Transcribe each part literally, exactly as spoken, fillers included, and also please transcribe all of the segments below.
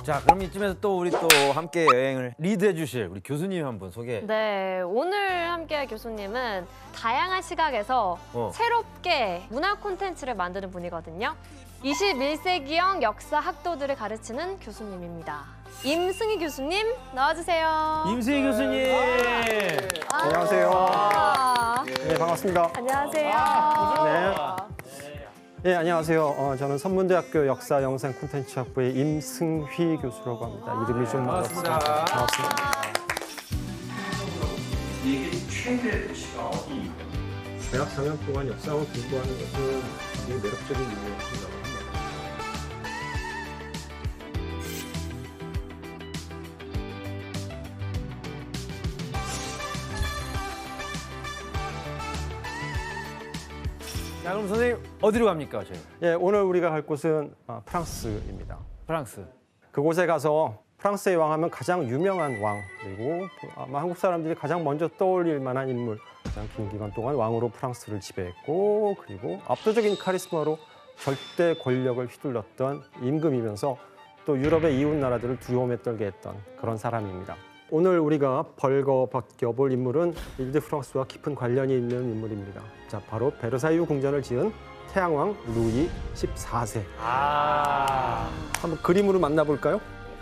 자, 그럼 이쯤에서 또 우리 또 함께 여행을 리드해 주실 우리 교수님 한 분 소개. 네, 오늘 함께할 교수님은 다양한 시각에서 어. 새롭게 문화 콘텐츠를 만드는 분이거든요. 이십일 세기형 역사 학도들을 가르치는 교수님입니다. 임승희 교수님 나와주세요. 임승희 교수님. 아, 안녕하세요. 아, 네, 반갑습니다. 안녕하세요. 네. 네, 안녕하세요. 어, 저는 선문대학교 역사 영상 콘텐츠학부의 임승휘 교수라고 합니다. 이름이 좀 반갑습니다. 어렵습니다. 반갑습니다. 이게 최대 도시가 어디입니까? 대학 사 년 동안 역사학을 공부하는 것은 굉장히 매력적인 일이라고 생각합니다. 자, 그럼 선생님 어디로 갑니까, 저희? 예, 오늘 우리가 갈 곳은 어, 프랑스입니다. 프랑스. 그곳에 가서 프랑스의 왕 하면 가장 유명한 왕, 그리고 아마 한국 사람들이 가장 먼저 떠올릴 만한 인물, 가장 긴 기간 동안 왕으로 프랑스를 지배했고, 그리고 압도적인 카리스마로 절대 권력을 휘둘렀던 임금이면서 또 유럽의 이웃 나라들을 두려움에 떨게 했던 그런 사람입니다. 오늘 우리가 벌거벗겨볼 인물은 일드 프랑스와 깊은 관련이 있는 인물입니다. 자, 바로 베르사유 궁전을 지은 태양왕 루이 십사 세. 아. 한번 그림으로 만나볼까요?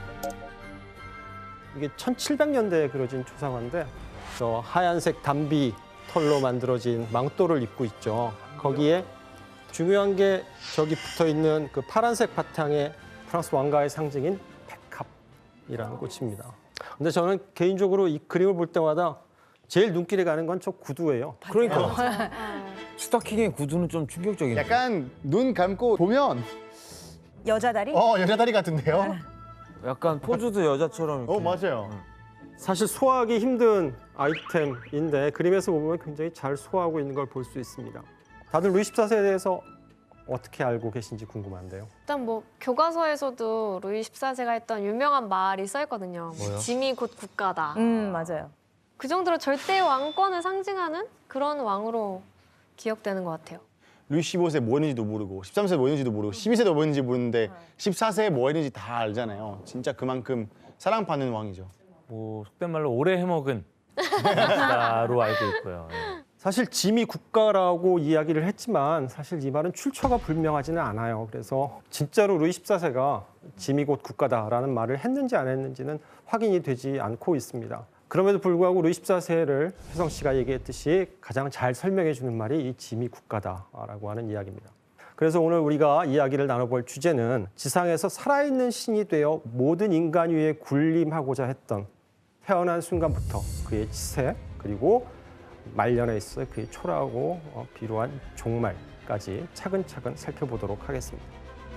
이게 천칠백 년대에 그려진 초상화인데 저 하얀색 담비 털로 만들어진 망토를 입고 있죠. 거기에 중요한 게 저기 붙어 있는 그 파란색 바탕에 프랑스 왕가의 상징인 백합이라는 꽃입니다. 근데 저는 개인적으로 이 그림을 볼 때마다 제일 눈길이 가는 건 저 구두예요. 그러니까 스타킹의 구두는 좀 충격적이네. 약간 눈 감고 보면 여자 다리? 어 여자 다리 같은데요? 약간 포즈도 여자처럼. 이렇게. 어 맞아요. 사실 소화하기 힘든 아이템인데 그림에서 보면 굉장히 잘 소화하고 있는 걸 볼 수 있습니다. 다들 루이 십사 세에 대해서 어떻게 알고 계신지 궁금한데요. 일단 뭐 교과서에서도 루이 십사 세가 했던 유명한 말이 써 있거든요. 뭐요? 짐이 곧 국가다. 음, 맞아요. 그 정도로 절대 왕권을 상징하는 그런 왕으로 기억되는 것 같아요. 루이 십오 세 뭐 했는지도 모르고 십삼 세 뭐 했는지도 모르고 십이 세도 뭐 했는지 모르는데 십사 세에 뭐 했는지 다 알잖아요. 진짜 그만큼 사랑받는 왕이죠. 뭐 속된 말로 오래 해먹은 나로 알고 있고요. 예. 사실 짐이 국가라고 이야기를 했지만 사실 이 말은 출처가 불명하지는 않아요. 그래서 진짜로 루이 십사 세가 짐이 곧 국가다라는 말을 했는지 안 했는지는 확인이 되지 않고 있습니다. 그럼에도 불구하고 루이 십사 세를 혜성 씨가 얘기했듯이 가장 잘 설명해 주는 말이 이 짐이 국가다라고 하는 이야기입니다. 그래서 오늘 우리가 이야기를 나눠볼 주제는 지상에서 살아있는 신이 되어 모든 인간 위에 군림하고자 했던 태어난 순간부터 그의 치세 그리고 말년에 있어 그의 초라하고 어, 비루한 종말까지 차근차근 살펴보도록 하겠습니다.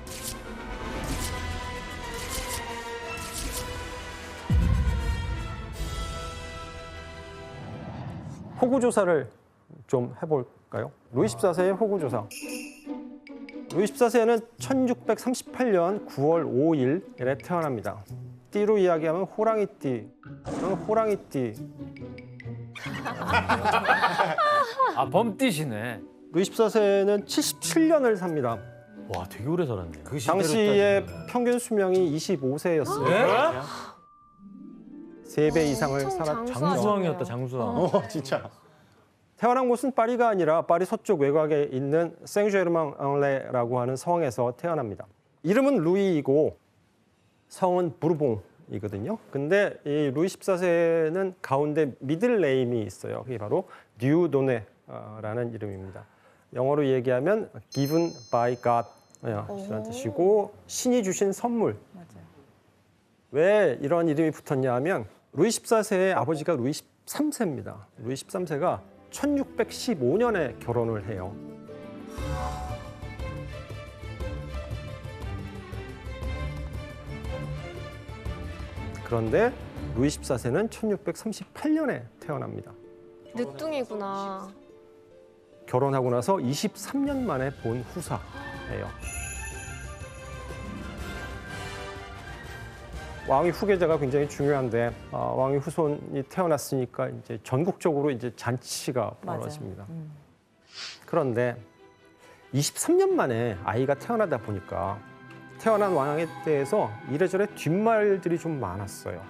호구 조사를 좀 해볼까요? 루이 십사 세의 호구 조사. 루이 십사 세는 천육백삼십팔 년 구월 오일에 태어납니다. 띠로 이야기하면 호랑이띠, 호랑이띠. 아, 범띠시네. 루이 십사 세는 칠십칠 년을 삽니다. 와, 되게 오래 살았네. 그 시대로 당시의 따지면. 평균 수명이 이십오 세였어요. 네? 세 배 이상을 엄청 살았죠. 장수하셨네요. 장수왕이었다, 장수왕. 어 진짜. 태어난 곳은 파리가 아니라 파리 서쪽 외곽에 있는 생제르맹-앙레라고 하는 성에서 태어납니다. 이름은 루이이고 성은 부르봉이거든요. 근데 이 루이 십사 세는 가운데 미들 네임이 있어요. 그게 바로 듀도네라는 이름입니다. 영어로 얘기하면 given by God이라는 뜻이고 신이 주신 선물. 맞아요. 왜 이런 이름이 붙었냐 하면 루이 십사 세의 아버지가 루이 십삼 세입니다. 루이 십삼 세가 천육백십오 년에 결혼을 해요. 그런데 루이 십사 세는 천육백삼십팔 년에 태어납니다. 늦둥이구나. 결혼하고 나서 이십삼 년 만에 본 후사예요. 왕위 후계자가 굉장히 중요한데 아, 왕위 후손이 태어났으니까 이제 전국적으로 이제 잔치가 맞아요. 벌어집니다. 음. 그런데 이십삼 년 만에 아이가 태어나다 보니까 태어난 왕에 대해서 이래저래 뒷말들이 좀 많았어요.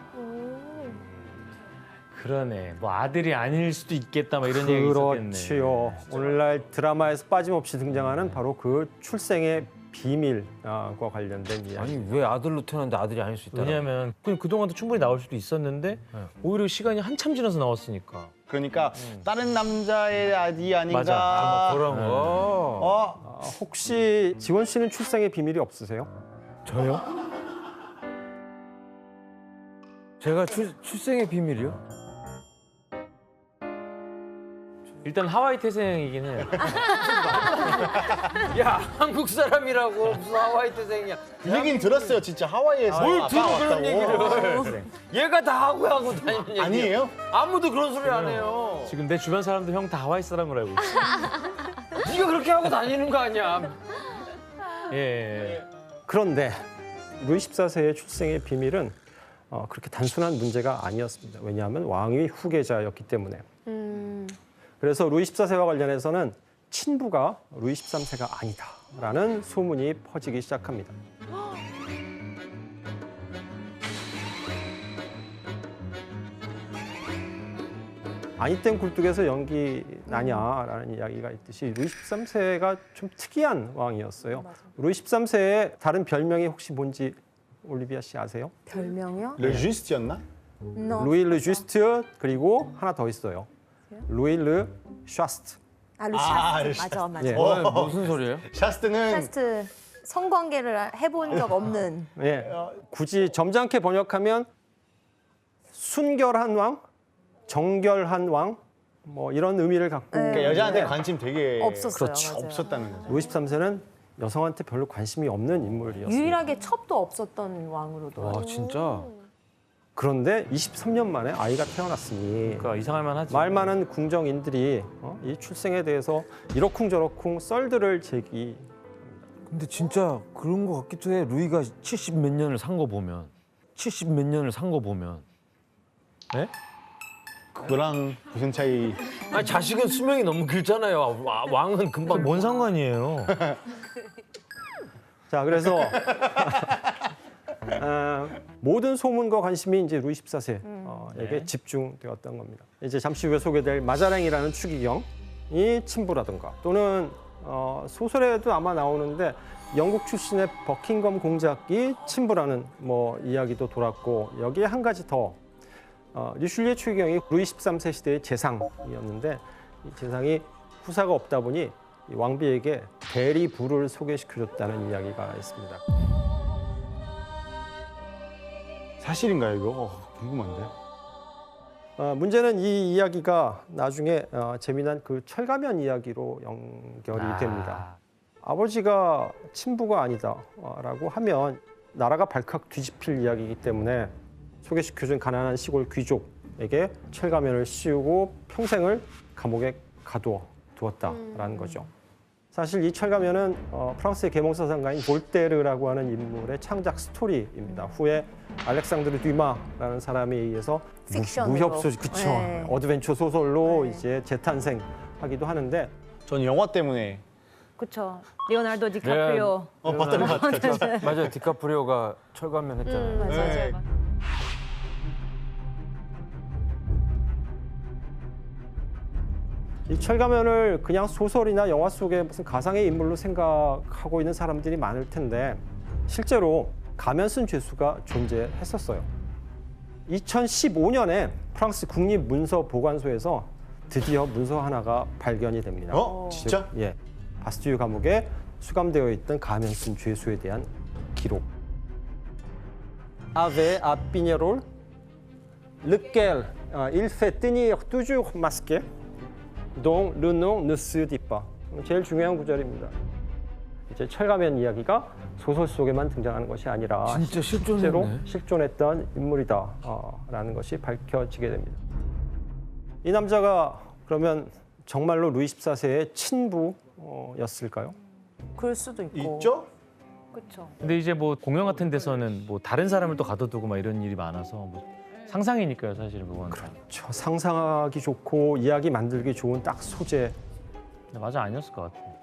그러네. 뭐 아들이 아닐 수도 있겠다. 막 이런 얘기 있었겠네. 그렇지요. 오늘날 드라마에서 빠짐없이 등장하는 바로 그 출생의 비밀과 관련된 이야기. 아니 왜 아들로 태어났는데 아들이 아닐 수 있다? 왜냐하면 그냥 그동안도 충분히 나올 수도 있었는데 오히려 시간이 한참 지나서 나왔으니까. 그러니까 다른 남자의 아들이 아닌가. 맞아. 아, 그런 거. 어? 아, 혹시 지원 씨는 출생의 비밀이 없으세요? 저요? 제가 출, 출생의 비밀이요? 일단 하와이 태생이긴 해요. 야 한국 사람이라고 무슨 하와이 태생이야? 그 얘기는 들었어요. 진짜 하와이에서 뭘 아빠가 들어 그런 왔다고. 얘기를? 그래. 얘가 다 하고 하고 다니는 얘기. 아니에요? 아무도 그런 소리 안 해요. 지금 내 주변 사람들 형 다 하와이 사람으로 알고 있어. 네가 그렇게 하고 다니는 거 아니야? 예, 예. 그런데 루이 십사 세의 출생의 비밀은 어, 그렇게 단순한 문제가 아니었습니다. 왜냐하면 왕위 후계자였기 때문에. 음. 그래서 루이 십사 세와 관련해서는 친부가 루이 십삼 세가 아니다라는 소문이 퍼지기 시작합니다. 아니 땐 굴뚝에서 연기 나냐라는 이야기가 있듯이 루이 십삼 세가 좀 특이한 왕이었어요. 루이 십삼 세의 다른 별명이 혹시 뭔지 올리비아 씨 아세요? 별명이요? 르주스트였나? No. 루이 르 주스트 그리고 하나 더 있어요. 루이 르 샤스트. 아, 아, 루샤스트. 루샤스트. 맞아, 맞아. 예. 어, 무슨 소리예요? 샤스트는 루샤스트 성관계를 해본 적 없는. 예. 굳이 점잖게 번역하면 순결한 왕, 정결한 왕, 뭐 이런 의미를 갖고 그러니까 여자한테 있는데 관심 되게 없었어요, 그렇죠. 맞아요. 없었다는 거죠. 루이 십삼 세는 여성한테 별로 관심이 없는 인물이었습니다. 유일하게 첩도 없었던 왕으로도. 와 진짜. 그런데 이십삼 년 만에 아이가 태어났으니 그러니까 이상할 만하지. 말 많은 궁정인들이 어? 이 출생에 대해서 이러쿵저러쿵 썰들을 제기. 근데 진짜 그런 거 같기도 해. 루이가 칠십 몇 년을 산 거 보면, 칠십 몇 년을 산 거 보면. 네? 그거랑 무슨 차이? 아니 자식은 수명이 너무 길잖아요. 와- 왕은 금방 뭔 상관이에요? 자, 그래서 어, 모든 소문과 관심이 이제 루이 십사 세에게 네. 집중되었던 겁니다. 이제 잠시 후에 소개될 마자랭이라는 추기경이 친부라든가 또는 어, 소설에도 아마 나오는데 영국 출신의 버킹엄 공작이 친부라는 뭐 이야기도 돌았고 여기에 한 가지 더 어, 리슐리의 추기경이 루이 십삼 세 시대의 재상이었는데 이 재상이 후사가 없다 보니 이 왕비에게 대리부를 소개시켜줬다는 이야기가 있습니다. 사실인가요 이거? 어, 궁금한데. 어, 문제는 이 이야기가 나중에 어, 재미난 그 철가면 이야기로 연결이 아. 됩니다. 아버지가 친부가 아니다라고 하면 나라가 발칵 뒤집힐 이야기이기 때문에 소개시켜준 가난한 시골 귀족에게 철가면을 씌우고 평생을 감옥에 가두어 두었다라는 거죠. 사실 이 철가면은 어, 프랑스의 계몽사상가인 볼테르라고 하는 인물의 창작 스토리입니다. 후에 알렉산드르 듀마라는 사람에 의해서 무- 픽션으로. 무협 소설, 그쵸? 네. 어드벤처 소설로 네. 이제 재탄생하기도 하는데 전 영화 때문에 그렇죠. 리오나르도 디카프리오. 어 봤던 것 같아요. 맞아요. 디카프리오가 철가면 했잖아요. 음, 맞아요. 네. 맞아요. 이 철가면을 그냥 소설이나 영화 속의 무슨 가상의 인물로 생각하고 있는 사람들이 많을 텐데 실제로 가면 쓴 죄수가 존재했었어요. 이천십오 년에 프랑스 국립문서보관소에서 드디어 문서 하나가 발견이 됩니다. 어? 진짜? 예, 바스티유 감옥에 수감되어 있던 가면 쓴 죄수에 대한 기록. Avec à Pignerol, lequel euh, il fait tenir toujours masqué, dont le nom ne se dit pas. 제일 중요한 구절입니다. 이제 철가면 이야기가 소설 속에만 등장하는 것이 아니라 진짜 실존했네. 실제로 실존했던 인물이다라는 것이 밝혀지게 됩니다. 이 남자가 그러면 정말로 루이 십사 세의 친부였을까요? 그럴 수도 있고. 있죠? 그렇죠. 근데 이제 뭐 공연 같은 데서는 뭐 다른 사람을 또 가둬두고 막 이런 일이 많아서 뭐 상상이니까요, 사실은 그건. 저 상상하기 좋고 이야기 만들기 좋은 딱 소재. 근데 맞아 아니었을 것 같아.